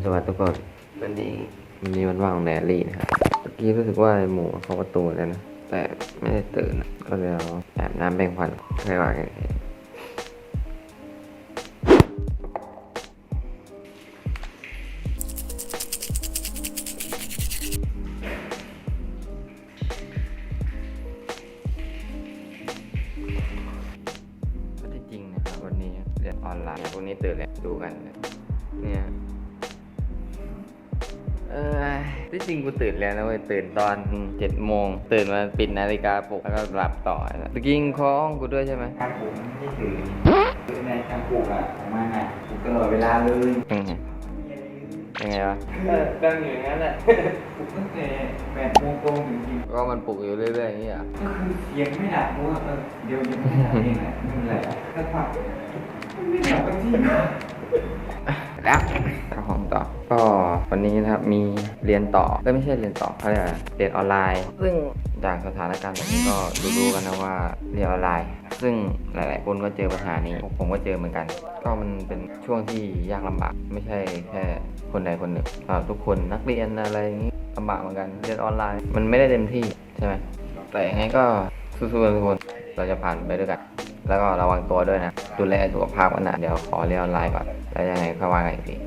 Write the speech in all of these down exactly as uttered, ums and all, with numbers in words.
สวัสดีทุกคนวันนี้วันนี้วันว่างของแดรี่นะครับเมื่อกี้รู้สึกว่าหมูเขาประตูแล้วนะแต่ไม่ได้ตื่นก็เลยเอาแอบน้ำแบ่งฟันให้ว่ากันก็ที่จริงนะครับวันนี้เรียนออนไลน์พวกนี้ตื่นแล้วดูกันเนี่ยเออที่จริงกูตื่นแล้วนะเว้ยตื่นตอนเจ็ดโมงตื่นมาปิดนาฬิกาปลุกแล้วก็หลับต่อตะกี้คอห้องกูด้วยใช่ไหมการปลุกไม่ได้ตื่นคือในการปลุกอะของมันอะปลุกตลอดเวลาเลยยังไงยังไงวะดังอยู่อย่างนั้นแหละปลุกตั้งแต่แปดโมงตรงจริงๆก็มันปลุกอยู่เรื่อยๆอย่างนี้อ่ะก็คือเสียงไม่ดับเพราะว่าเดี๋ยวยังไม่ดับเองแหละนี่แหละก็ผักไม่ดับไปที่แล้วเข้าห้องต่อก็วันนี้นะครับมีเรียนต่อก็ไม่ใช่เรียนต่อเขาเรียกเรียนออนไลน์ซึ่งจากสถานการณ์แบบนี้ก็รู้ๆกันนะว่าเรียนออนไลน์ซึ่งหลายๆคนก็เจอปัญหานี้ผมก็เจอเหมือนกันก็มันเป็นช่วงที่ยากลำบากไม่ใช่แค่คนใดคนหนึ่งทุกคนนักเรียนอะไรอย่างนี้ลำบากเหมือนกันเรียนออนไลน์มันไม่ได้เต็มที่ใช่ไหมแต่ยังไงก็สู้ๆทุกคนเราจะผ่านไปด้วยกันแล้วก็ระวังตัวด้วยนะดูแลสุขภาพกันนะเดี๋ยวขอเรียนออนไลน์ก่อนแล้วยังไงก็ว่ากันอีกที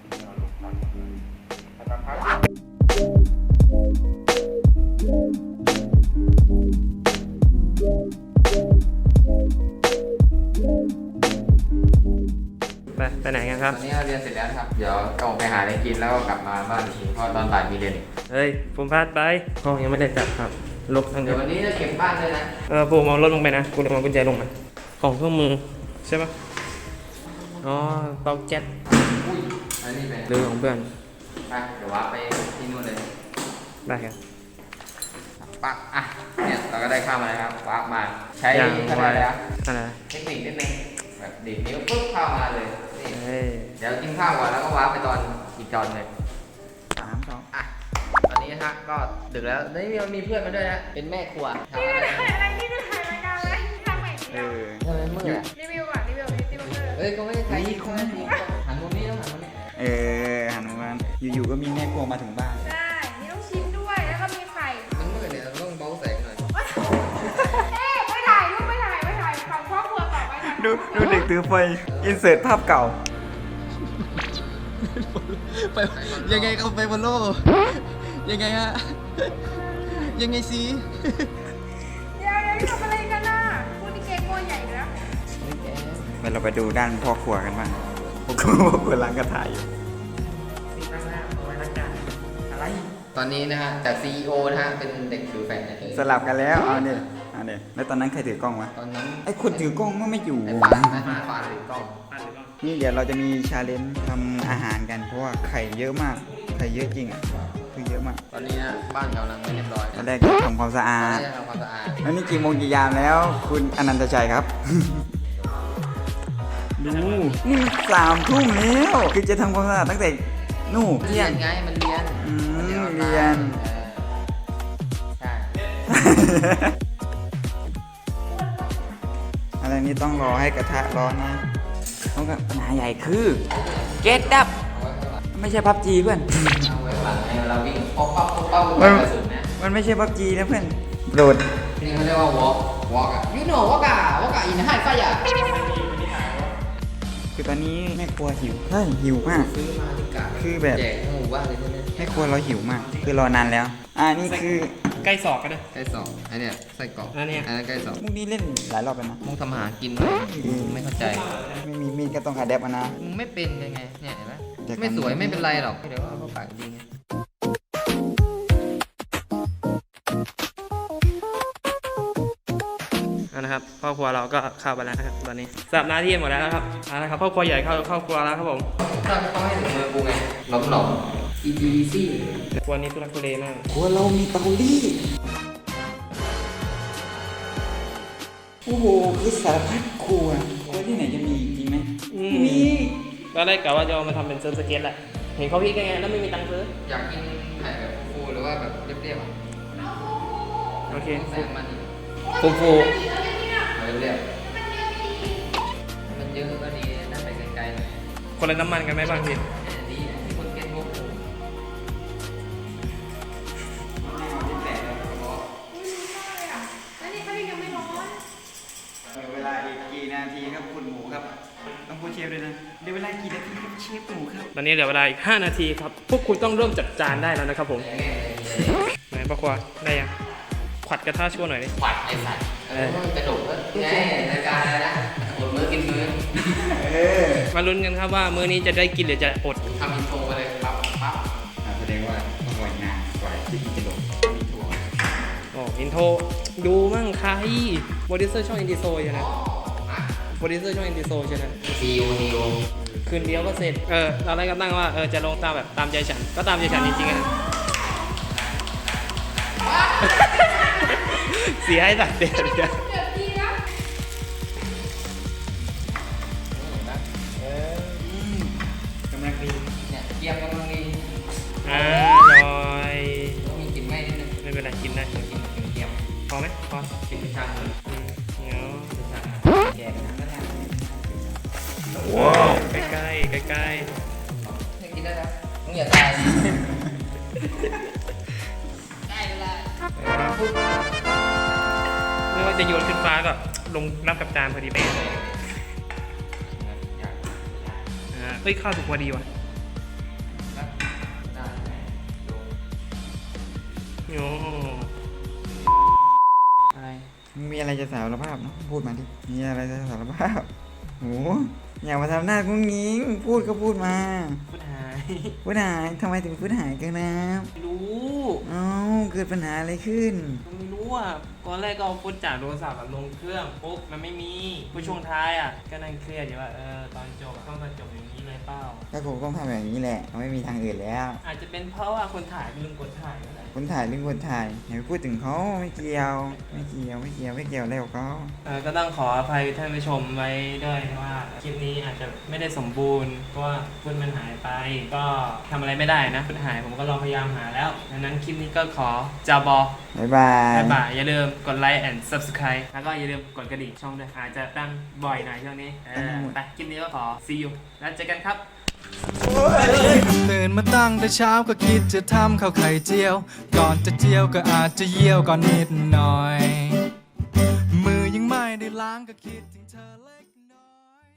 ไปไปไหนกันครับตอนนี้เราเรียนเสร็จแล้วครับเดี๋ยวออกไปหาอะไรกินแล้วก็กลับมาบ้านอีกทีเพราะตอนบ่ายมีเรียนอีกเฮ้ยผมพลาดไปห้องยังไม่ได้จัดครับลบทั้งเดีเดี๋ยยว ววันนี้จะเก็บบ้านด้วยนะเออผมเอารถลงไปนะกูเอากุญแจลงมาของเครื่องมือใช่ปะอ๋อเตาแก๊สอุ้ยอันนี้เป็นหรือของเพื่อนไปเดี๋ยวว่าไปที่นู่นเลยได้ครับปักอ่ะเนี่ยเราก็ได้ข้าวมาแล้วครับปักมาใช้อะไรแล้วเทคนิคนิดนึงแบบดีดนิ้วปุ๊บข้าวมาเลยนี่เดี๋ยวกินข้าวก่อนแล้วก็ว้าไปตอนอีกจอนเลยสามสองอ่ะตอนนี้นะฮะก็ดึกแล้วนี่มีเพื่อนมาด้วยนะเป็นแม่ครัวทำอะไรอะไรที่จะถ่ายรายการแล้วทำใหม่เออทำไมมืดอ่ะรีวิวก่อนรีวิวรีวิวเฮ้ยก็ไม่ได้ใครคงไม่ดีหันมุมนี้ต้องหันมุมนี้เออหันมาอยู่ๆก็มีแม่ครัวมาถึงบ้านใช่มีลูกชิ้นด้วยแล้วก็มีไข่มันมืดเนี่ยเราต้องเบาแสงหน่อยเอ๊ะไม่ถ่ายรูปไม่ถ่ายไม่ถ่ายฝั่งครอบครัวต่อไปนะดูดูเด็กถือไฟอินเสิร์ตภาพเก่าไปยังไงเขาไปบนโลกยังไงฮะยังไงสิเดี๋ยวเดี๋ยวทำอะไรกันน่ะพูดที่เก๊กโง่ใหญ่แล้วไปเราไปดูด้านพ่อครัวกันบ้างพ่อครัวพ่อครัวล้างกระถางอยู่ตอนนี้นะฮะจาก ซี อี โอ นะฮะเป็นเด็กถือแฟนสลับกันแล้วเอาเนี่ยเอาเนี่ยแล้วตอนนั้นใครถือกล้องวะตอนนั้นไอ้คนถือกล้องมันไม่อยู่ไอ้ปานไอ้ปานถือกล้องนี่เดี๋ยวเราจะมีชาเลนจ์ทำอาหารกันเพราะว่าไข่เยอะมากไข่เยอะจริงอ่ะคือเยอะมากตอนนี้นะบ้านกำลังไม่เรียบร้อยตอนแรกจะทำความสะอาดทำความสะอาดแล้วนี่กี่โมงกี่ยามแล้วคุณอนันตชัยครับดูนี่สามทุ่มแล้วคือจะทำความสะอาดตั้งแต่นู่นเรียนไงมันเรียนอืมเรียนใช่อะไรนี้ต้องรอให้กระทะร้อนนะต้องกับปัญหาใหญ่คือเกตดับไม่ใช่พับจีเพื่อนเราวิ่งป๊อปป๊อปป๊อปมันมันไม่ใช่พับจีนะเพื่อนโดดนี่เขาเรียกว่าวอล์กวอล์กอะยูโน่วอล์กอะวอล์กอะอินฮันไฟอะคือตอนนี้แม่ครัวหิวเฮ้ยหิวมากซื้อมาที่กะคือแบบแจกหมู่บ้านเลยใช่ไหมแม่ครัวเราหิวมากคือรอนานแล้วอ่านี่คือใกล้ศอกกันเลยใกล้ศอกอันเนี้ยไส้กรอกอันเนี้ยอันนั้นใกล้ศอกมุกนี้เล่นหลายรอบแล้วนะมุกทำอาหารกินไม่เข้าใจไม่มีมีดก็ต้องอะแดปนะมึงไม่เป็นยังไงเนี่ยเห็นไหมไม่สวยไม่เป็นไรหรอกเดี๋ยวเอาเข้าปากดีไงนะครับครอบครัวเราก็เข้าไปแล้วนะครับตอนนี้สลับหน้าที่หมดแล้วนะครับเอาละครับครอบครัวใหญ่เข้าครอบครัวแล้วครับผมต้องต้องให้ถึงมือกูไงหลอมหลอมอีดีซี่ครัวนี้ทุลักทุเลมากครัวเรามีเตารีดโอ้โหคือสารพัดครัวครัวที่ไหนจะมีจริงไหมมีก็ได้กะว่าจะเอามาทำเป็นเซิร์ฟสเก็ตแหละเห็นเขาพี่กันไงแล้วไม่มีตังค์ซื้ออยากกินไข่แบบฟูหรือว่าแบบเรียบๆอ่ะโอเคแซงมันฟูฟูเรียบมันเยอะก็ดีนั่งไปไกลๆหน่อยคนละน้ำมันกันไหมบางทีดีที่คนเก็ตโง่เลยนะเดี๋ยวเวลากี่นาทีครับเชฟหมูครับตอนนี้เหลือเวลาอีกห้านาทีครับ พวกคุณต้องเริ่มจัดจานได้แล้วนะครับผมไหนป้าควาได้ยังขวัดกระทะชั่วหน่อยดิขวัดไอ้สัตว์เออกระดูกก็ไงรายการอะไรนะอดมื้อกินมื้อมาลุ้นกันครับว่ามื้อนี้จะได้กินหรือจะอดทำอินโทรมาเลยปั๊บปั๊บแสดงว่าต้องรอยงานกว่าที่จะลงมีถั่วอ๋ออินโทรดูมั่งใครโปรดิวเซอร์ช่องอินดิโซใช่ไหมโปรดิวเซอร์ช่องอินดิโซใช่ไหมซีอูนิวคืนเดียวก็เสร็จเออเราได้ก็ตั้งว่าเออจะลงตามแบบตามใจฉันก็ตามใจฉันจริงๆอะ เสียให้ตัดเด็ดเนี่ยเดี๋ยวดีนะกำลังดีเนี่ยเกียมกำลังดีอ่าลอยต้องมีกลิ่นไหม้นิดนึงไม่เป็นไรกินได้กลิ่นเกียมพอไหมพอกลิ่นชาเลยอืมเดี๋ยวแกกันนะก็ได้ว้าวใกล้ๆใกล้ให้กินได้แล้วมึงอย่าตายได้เวลาๆไม่ว่าจะโยนขึ้นฟ้าก็ลงรับกับจานพอดีเป๊ะอ่าเอ้ยข้าวสุกพอดีว่ะโอ้อะไรมึงมีอะไรจะสารภาพเนาะพูดมาดิมีอะไรจะสารภาพโหอย่ามาทำหน้ากุ้งยิงพูดก็พูดมาพูดหายพูดหายทำไมถึงพูดหายกันนะไม่รู้เอ้าเกิดปัญหาอะไรขึ้นไม่รู้อ่ะตอนแรกก็เอาฟุตจากโทรศัพท์อะลงเครื่องปุ๊บมันไม่มีพอช่วงท้ายอ่ะก็นั่งเครียดอยู่ว่าเออตอนจบต้องตอนจบอย่างนี้เลยเปล่าก็คงต้องทำแบบนี้แหละไม่มีทางอื่นแล้วอาจจะเป็นเพราะว่าคนถ่ายลืมกดถ่ายก็ได้คนถ่ายเรื่องคนถ่ายอย่าไปพูดถึงเขาไม่เกี่ยวไม่เกี่ยวไม่เกี่ยวไม่เกี่ยวอะไรกับเขาเออก็ต้องขออภัยท่านผู้ชมไว้ด้วยว่าคลิปนี้อาจจะไม่ได้สมบูรณ์เพราะว่าฟุตมันหายไป ก็ทำอะไรไม่ได้นะฟุตหายผมก็ลองพยายามหาแล้วดังนั้นคลิปนี้ก็ขอจาบอบ๊ายบายบ๊ายบายอย่าลืมกดไลค์ and subscribe แล้วก็อย่าลืมกดกระดิ่งช่องด้วยอาจจะตั้งบ่อยหน่อยช่วงนี้เออไปคลิปนี้ก็ขอ see you แล้วเจอกันครับตื่นมาตั้งแต่เช้าก็คิดจะทำข้าวไข่เจียว ก่อนจะเจียวก็อาจจะเยี่ยวก่อนนิดหน่อย มือยังไม่ได้ล้างก็คิดถึงเธอแล้ว